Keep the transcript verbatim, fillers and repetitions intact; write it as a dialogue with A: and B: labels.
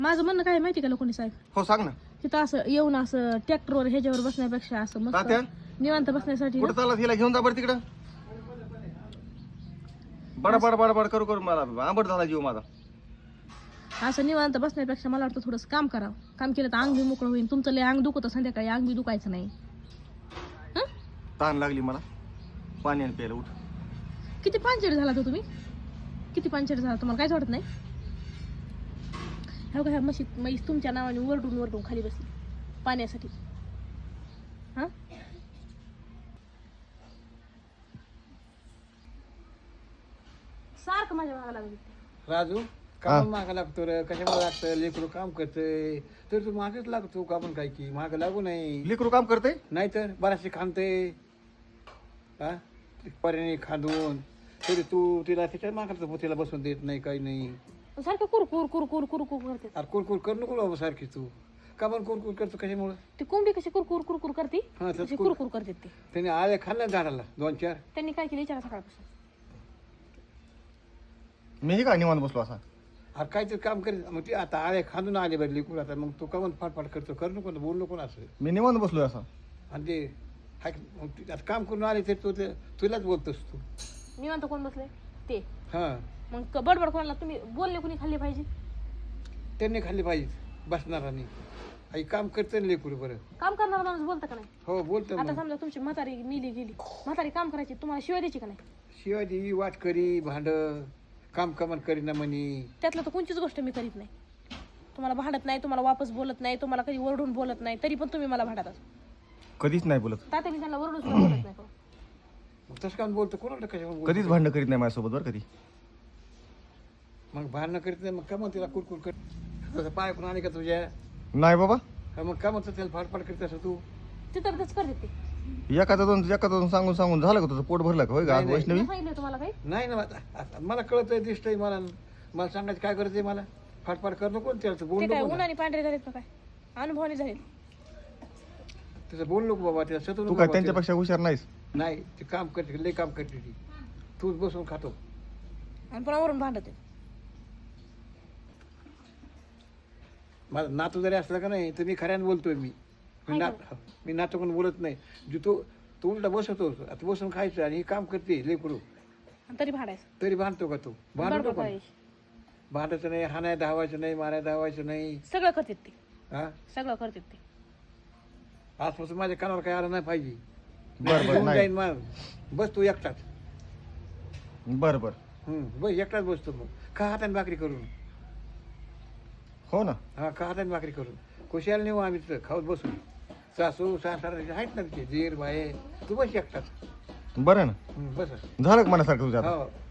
A: माझं म्हणणं काय आहे माहिती का लोकांनी साहेब,
B: हो सांग ना.
A: तिथं असं येऊन असं ट्रॅक्टरवर ह्याच्यावर बसण्यापेक्षा असं मस्त
B: तात्या?
A: निवांत बसण्यासाठी ना,
B: कुठं चालला हिला घेऊन जा बरं तिकडं. बडा बडा बडा बडा करू करू मला आंबट झाला जीव माझा.
A: असं निवांत बसण्यापेक्षा मला वाटतं थोडंसं काम करावं. काम केलं तर अंग बी मोकळं होईल. तुमचं लय अंग दुखतं संध्याकाळी, अंग बी दुखायचं नाही. हं?
B: ताण लागली मला. पाणी आणि प्यायला उठ.
A: किती पांचट झाला तो तुम्ही, किती पांचट झाला तुम्हाला काहीच वाटत नाही. ह्या ह्या म्हशी म्हैस तुमच्या नावाने वरडून वरडून खाली बसली पाण्यासाठी. हा सारखं माझ्या भागाला लागली.
C: राजू काम मागं लागतो रे, कशामुळे लागतं? लेकरू काम करतंय तर तू मागेच लागतो. का पण काय की मागं लागू नाही,
B: लेकरू काम करते.
C: नाहीतर बराचसे खांदते हा पर्याने खांदून तरी तू तिला तिच्या मागं तिला बसून देत नाही, काही नाही.
A: सारखं कुर कुर कुर कुर कुर कुर करते.
C: अरे कुरकुर कर नको बाबा सारखी तू. का पण कुरकुर करतो कशामुळे?
A: ती कोंबडी कशी कुरकुर कुरकुर करते,
C: हा
A: तशी
C: तर
A: कुरकुर करते ती.
C: त्याने आळे खाल्लं झाडाला दोन चार.
A: त्यांनी काय केलं विचारा सकाळपासून.
B: मीही काय निवांत बसलो असा.
C: अरे काहीतरी काम करीत मग ती आता आळे खांदून आले बरं लेकरू. आता मग तू का पण फाटफाट करतो, कर नको बोल नको ना असं.
B: मी निवांत बसलोय असा.
C: आणि ते हाय मग ती आता काम करून आले तर तू ते तुलाच बोलतोस तू.
A: निवांत कोण बसले ते.
C: हां
A: मग क- बडबड कोणाला तुम्ही बोलले कोणी खाल्ले पाहिजे.
C: त्यांनी खाल्ली पाहिजे बसणारांनी. आई काम करते ना लेकरू बरं.
A: काम करणारा माणूस बोलता का नाही.
C: हो बोलतो
A: आता
C: मग.
A: समजा तुमची म्हातारी मिली गेली, म्हातारी काम करायची, तुम्हाला शिवाय द्यायची का नाही.
C: शिवाय देवी वाट करी भांड काम कमान करीना म्हणी.
A: त्यातलं तर कोणतीच गोष्ट मी करीत नाही. तुम्हाला भांडत नाही, तुम्हाला वापस बोलत नाही, तुम्हाला कधी ओरडून बोलत नाही, तरी पण तुम्ही मला भांडतात.
B: कधीच नाही बोलत.
A: तात्या मी त्यांना ओरडून सुद्धा बोलत नाही.
C: मग तसं काम बोलतो कोणाला कशा
B: कधीच भांडण करीत नाही माझ्यासोबत बरं कधी.
C: मग भांडणं करीत नाही मग का मग तिला कुरकुर कर. तसं पाय पण आले का तुझ्या?
B: नाही बाबा.
C: हा, मग का म्हणतो त्याला फाटफाट करीत असं तू?
A: ते तर तेच करते ते.
B: एखादा दोन एखादा दोन सांगून सांगून झालं का तुझं पोट भरलं का होय का आज
C: नाही,
B: वैष्णवी.
A: मी सांगितलं तुम्हाला काही.
C: नाही ना आता- आता मला कळतंय दिसतंय मला. मला सांगायचं काय करायचंय मला. फाटफाट कर नको त्याला
A: ते
C: बोल
A: काय
C: नको ना.
A: उन्हाने पांढरे झालेत का काय, अनुभवाने झालेत.
C: त्याचं बोल नको बाबा त्याला सतू
B: तू
C: नको
B: काय
C: बाबा
B: त्यांच्यापेक्षा हुशार नाहीस.
C: त्याला. नाही ते काम करते लय काम करते ती. तूच बसून खातो.
A: आणि पुन्हा वरून भांडत आहेत.
C: माझा नातू जरी असला का नाही तर मी खऱ्यानं बोलतोय. मी मी नात मी नातू कोण बोलत नाही. जे तू तू उलटा बसतो आता बसून खायचं आणि हे काम करते लेकरू
A: आणि तरी भांडायचं.
C: तरी भांडतो का तू? भांडतो
A: बडबड
C: पण
A: करायची.
C: भांडायचं नाही, हाणाय धावायचं नाही, माराय धावायचं नाही.
A: सगळं करतात ते,
C: हा
A: सगळं करतात ते.
C: आजपासून माझ्या कानावर काय आलं नाही पाहिजे.
B: बरं बरं
C: होऊन
B: नाही.
C: जाईन मग. बस तू एकटाच.
B: बरं बरं.
C: हम्म बस एकटाच बसतो मग. का हाताने भाकरी करून.
B: हो ना.
C: हा का हाताने भाकरी करून खुशाल नेऊ आम्ही तिथं खाऊत बसू. सासू सासरा आहेत ना तिथे दीर बाये. तू बस एकटाच.
B: बरं ना.
C: हम्म, बस
B: झालं का मनासारखं तुझ्या आता.
C: हो